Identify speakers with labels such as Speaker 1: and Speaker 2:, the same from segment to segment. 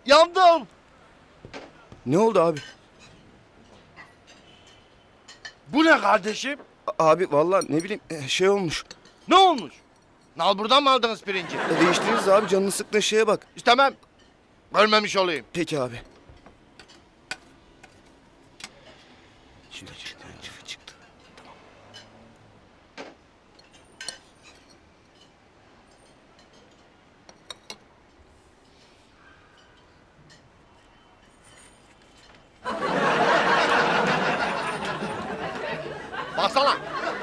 Speaker 1: Yandım.
Speaker 2: Ne oldu abi?
Speaker 1: Bu ne kardeşim?
Speaker 2: Abi vallahi ne bileyim şey olmuş.
Speaker 1: Ne olmuş? Nal buradan mı aldınız pirinci?
Speaker 2: Değiştiririz abi, canını sıktığın şeye bak.
Speaker 1: İstemem. Görmemiş olayım.
Speaker 2: Peki abi. Çıktı.
Speaker 1: Baksana.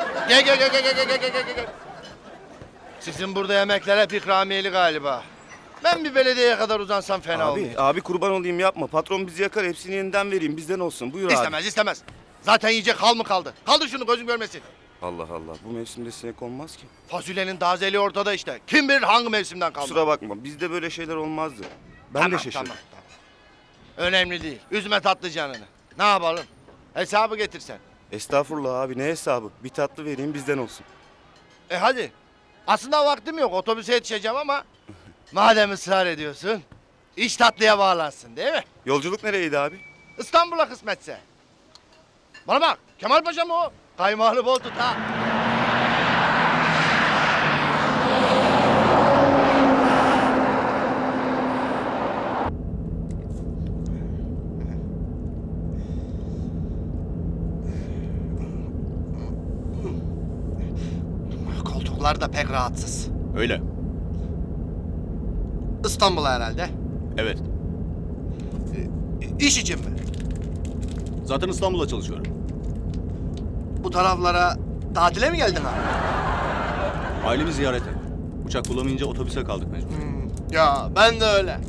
Speaker 1: Gel. Sizin burada yemekler hep ikramiyeli galiba. Ben bir belediyeye kadar uzansam fena olmuyor.
Speaker 2: Abi kurban olayım, yapma. Patron bizi yakar, hepsini yeniden vereyim, bizden olsun. Buyur abi.
Speaker 1: İstemez. Zaten yiyecek hal mı kaldı? Kaldır şunu gözüm görmesin.
Speaker 2: Allah Allah, bu mevsimde sinek olmaz ki.
Speaker 1: Fasulyenin tazeliği ortada işte. Kim bilir hangi mevsimden kaldı?
Speaker 2: Kusura bakma, bizde böyle şeyler olmazdı. Ben de şaşırdım.
Speaker 1: Tamam. Önemli değil. Üzme tatlı canını. Ne yapalım? Hesabı getirsen.
Speaker 2: Estağfurullah abi, ne hesabı? Bir tatlı vereyim, bizden olsun.
Speaker 1: Hadi. Aslında vaktim yok. Otobüse yetişeceğim ama... madem ısrar ediyorsun... iş tatlıya bağlansın değil mi?
Speaker 2: Yolculuk nereydi abi?
Speaker 1: İstanbul'a kısmetse. Bana bak. Kemal Paşa mı o? Kaymağını bol tut ha. Koltuklar da pek rahatsız.
Speaker 3: Öyle.
Speaker 1: İstanbul'a herhalde.
Speaker 3: Evet.
Speaker 1: İş için mi?
Speaker 3: Zaten İstanbul'da çalışıyorum.
Speaker 1: Bu taraflara tatile mi geldin abi?
Speaker 3: Ailemi ziyarete. Uçak bulamayınca otobüse kaldık mecbur.
Speaker 1: Ya ben de öyle.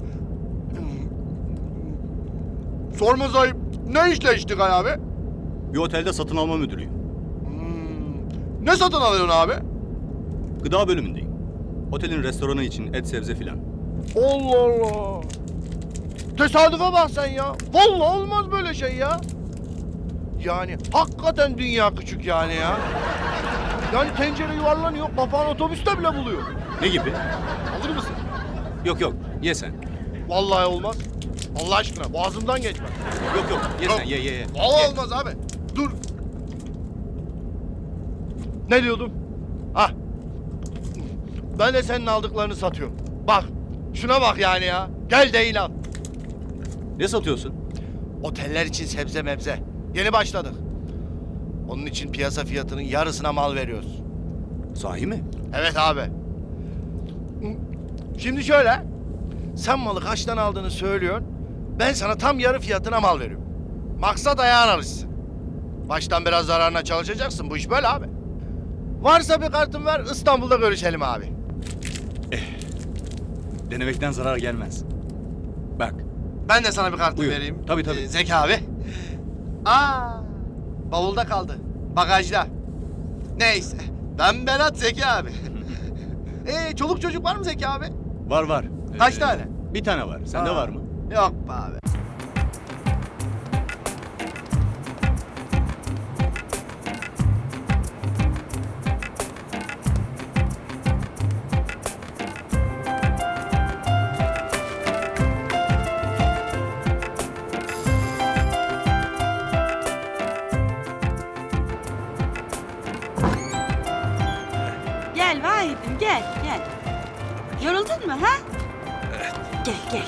Speaker 1: Sorma ayıp. Ne işle iştigal abi?
Speaker 3: Bir otelde satın alma müdürüyüm.
Speaker 1: Ne satın alıyorsun abi?
Speaker 3: Gıda bölümündeyim. Otelin restoranı için et, sebze filan.
Speaker 1: Allah Allah. Tesadüfe bak sen ya. Vallahi olmaz böyle şey ya. Yani hakikaten dünya küçük yani ya. Yani tencere yuvarlanıyor, papağan otobüste bile buluyor.
Speaker 3: Ne gibi?
Speaker 1: Alır mısın?
Speaker 3: Yok, ye sen.
Speaker 1: Vallahi olmaz. Allah aşkına boğazımdan geçmez.
Speaker 3: Yok, ye sen, ye.
Speaker 1: Vallahi
Speaker 3: Ye.
Speaker 1: olmaz abi. Dur. Ne diyordum? Ah. Ben de senin aldıklarını satıyorum. Bak. Şuna bak yani ya. Gel değil al.
Speaker 3: Ne satıyorsun?
Speaker 1: Oteller için sebze mebze. Yeni başladık. Onun için piyasa fiyatının yarısına mal veriyoruz.
Speaker 3: Sahi mi?
Speaker 1: Evet abi. Şimdi şöyle. Sen malı kaçtan aldığını söylüyorsun. Ben sana tam yarı fiyatına mal veriyorum. Maksat ayağın alışsın. Baştan biraz zararına çalışacaksın. Bu iş böyle abi. Varsa bir kartın ver, İstanbul'da görüşelim abi.
Speaker 3: Denemekten zarar gelmez. Bak.
Speaker 1: Ben de sana bir kartı
Speaker 3: Buyur.
Speaker 1: vereyim.
Speaker 3: Tabii.
Speaker 1: Zeki abi. Bavulda kaldı. Bagajda. Neyse. Ben Berat Zeki abi. Çoluk çocuk var mı Zeki abi?
Speaker 3: Var.
Speaker 1: Kaç tane?
Speaker 3: Bir tane var. Sende var mı?
Speaker 1: Yok be abi.
Speaker 4: Gel Vahit'im gel. Yoruldun mu ha? Gel.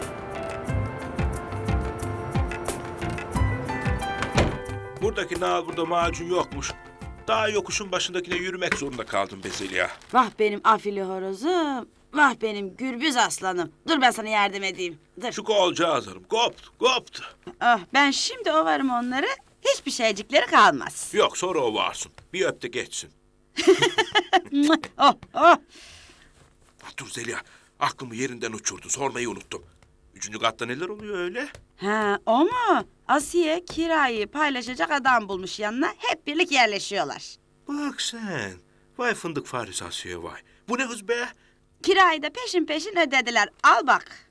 Speaker 5: Buradaki Nal burada macun yokmuş. Daha yokuşun başındakine yürümek zorunda kaldım be Zeliha.
Speaker 4: Vah benim afili horozum. Vah benim gürbüz aslanım. Dur ben sana yardım edeyim. Dur.
Speaker 5: Şu kolcağızlarım koptu.
Speaker 4: Oh, ben şimdi ovarım onları. Hiçbir şeycikleri kalmaz.
Speaker 5: Yok sonra o varsın. Bir öp de geçsin.
Speaker 4: Oh.
Speaker 5: Dur Zeliha, aklımı yerinden uçurdu. Sormayı unuttum. 3. katta neler oluyor öyle?
Speaker 4: Ha o mu? Asiye kirayı paylaşacak adam bulmuş yanına. Hep birlik yerleşiyorlar.
Speaker 5: Bak sen. Vay fındık faresi Asiye vay. Bu ne hız be?
Speaker 4: Kirayı da peşin ödediler. Al bak.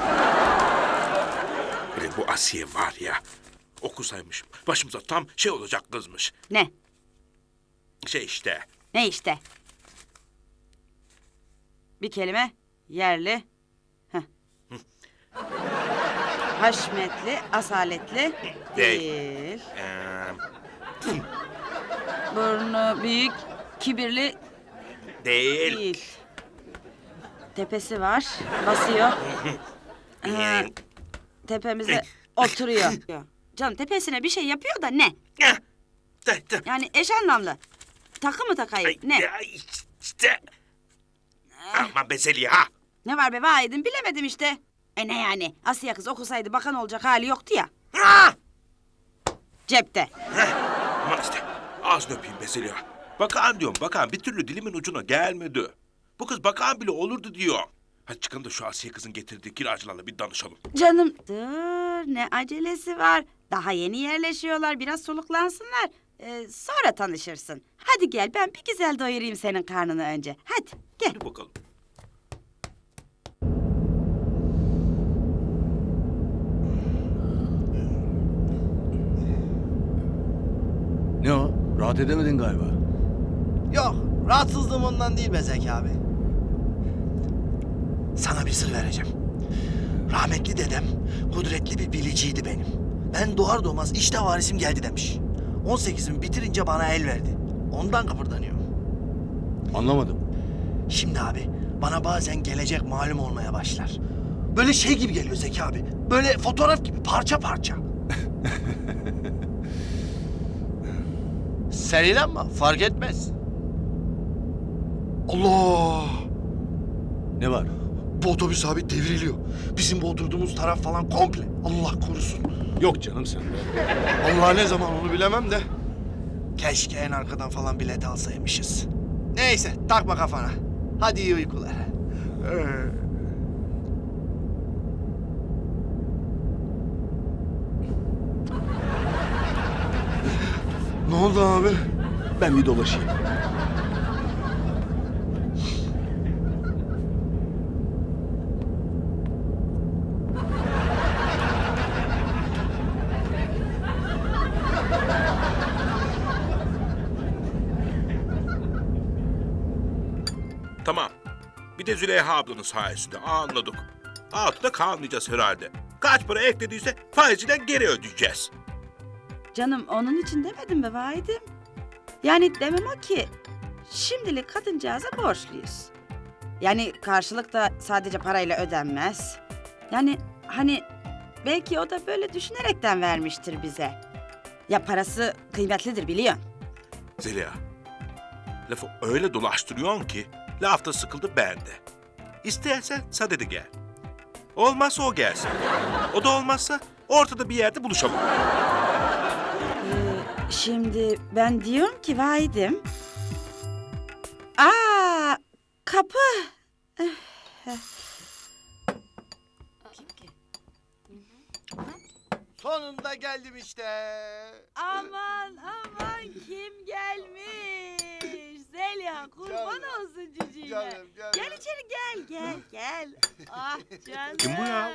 Speaker 5: Bu Asiye var ya. Okusaymışım. Başımıza tam şey olacak kızmış.
Speaker 4: Ne?
Speaker 5: Şey işte.
Speaker 4: Ne işte? Bir kelime yerli. Haşmetli, asaletli değil. Burnu büyük, kibirli
Speaker 5: Değil.
Speaker 4: değil. Tepesi var, basıyor. Tepemize oturuyor. Canım tepesine bir şey yapıyor da ne? Yani eş anlamlı. Takı mı takayım? Ne?
Speaker 5: İşte. Aman be Zeliha.
Speaker 4: Ne var be vahidim bilemedim işte. Ne yani? Asiye kız okusaydı bakan olacak hali yoktu ya. Cepte.
Speaker 5: Aman işte. Ağzını öpeyim be Zeliha. Bakan diyorum bakan. Bir türlü dilimin ucuna gelmedi. Bu kız bakan bile olurdu diyor. Hadi çıkalım da şu Asiye kızın getirdiği kiracılarla bir danışalım.
Speaker 4: Canım dur ne acelesi var. Daha yeni yerleşiyorlar biraz soluklansınlar. Sonra tanışırsın. Hadi gel ben bir güzel doyurayım senin karnını önce. Hadi gel.
Speaker 5: Hadi bakalım.
Speaker 3: Ne o? Rahat edemedin galiba.
Speaker 1: Yok, rahatsızlığım ondan değil be Zeki abi. Sana bir sır vereceğim. Rahmetli dedem kudretli bir biliciydi benim. Ben doğar doğmaz işte varisim geldi demiş. 18'imi bitirince bana el verdi. Ondan kıpırdanıyorum.
Speaker 3: Anlamadım.
Speaker 1: Şimdi abi bana bazen gelecek malum olmaya başlar. Böyle şey gibi geliyor Zeki abi. Böyle fotoğraf gibi parça parça. Sen inanma fark etmez. Allah!
Speaker 3: Ne var?
Speaker 1: Bu otobüs abi devriliyor. Bizim bu oturduğumuz taraf falan komple. Allah korusun.
Speaker 3: Yok canım sen de.
Speaker 1: Allah ne zaman onu bilemem de. Keşke en arkadan falan bilet alsaymışız. Neyse takma kafana. Hadi iyi uykular. Ne oldu abi?
Speaker 3: Ben bir dolaşayım.
Speaker 5: Tamam. Bir de Züleyha ablanın sayesinde anladık. Altıda kalmayacağız herhalde. Kaç para eklediyse faiziyle geri ödeyeceğiz.
Speaker 4: Canım onun için demedim be vahidim. Yani demem o ki şimdilik kadıncağıza borçluyuz. Yani karşılık da sadece parayla ödenmez. Yani hani belki o da böyle düşünerekten vermiştir bize. Ya parası kıymetlidir biliyorsun.
Speaker 5: Zeliha, lafı öyle dolaştırıyorsun ki lafta sıkıldı bende. İstersen sadede gel. Olmazsa o gelsin. O da olmazsa ortada bir yerde buluşalım.
Speaker 4: Şimdi ben diyorum ki vahidim. Kapı.
Speaker 1: Sonunda geldim işte.
Speaker 4: Aman kim gelmiş? Zeliha kurban
Speaker 1: Canım.
Speaker 4: olsun cücüğüne.
Speaker 1: Canım.
Speaker 4: Gel içeri gel. Ah canım.
Speaker 5: Kim bu ya?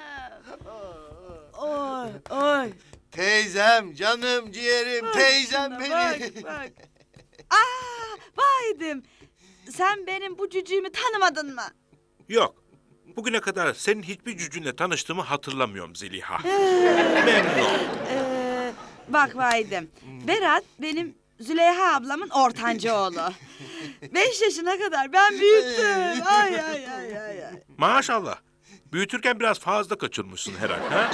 Speaker 4: Oy.
Speaker 1: Teyzem, canım, ciğerim,
Speaker 4: Bak
Speaker 1: teyzem
Speaker 4: şuna,
Speaker 1: benim.
Speaker 4: Bak. Vahidim. Sen benim bu cücüğümü tanımadın mı?
Speaker 5: Yok. Bugüne kadar senin hiçbir cücünle tanıştığımı hatırlamıyorum Zeliha. Memnun oldum.
Speaker 4: Bak vahidim. Berat benim Züleyha ablamın ortanca oğlu. 5 yaşına kadar ben büyüttüm. Ay.
Speaker 5: Maşallah. Büyütürken biraz fazla kaçırmışsın herhalde. Ha?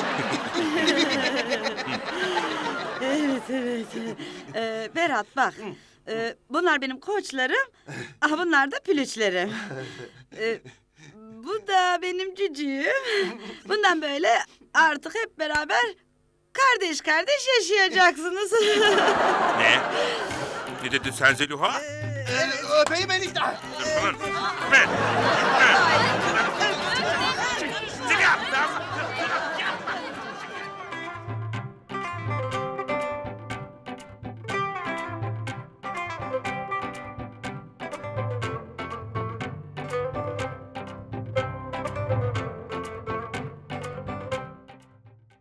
Speaker 4: Evet. Berat bak. Bunlar benim koçlarım. Bunlar da pülüçlerim. Bu da benim cücüğüm. Bundan böyle artık hep beraber kardeş yaşayacaksınız.
Speaker 5: Ne? Ne dedin sen Zeliha?
Speaker 1: Öpeyim enişte.
Speaker 5: Dur, dur.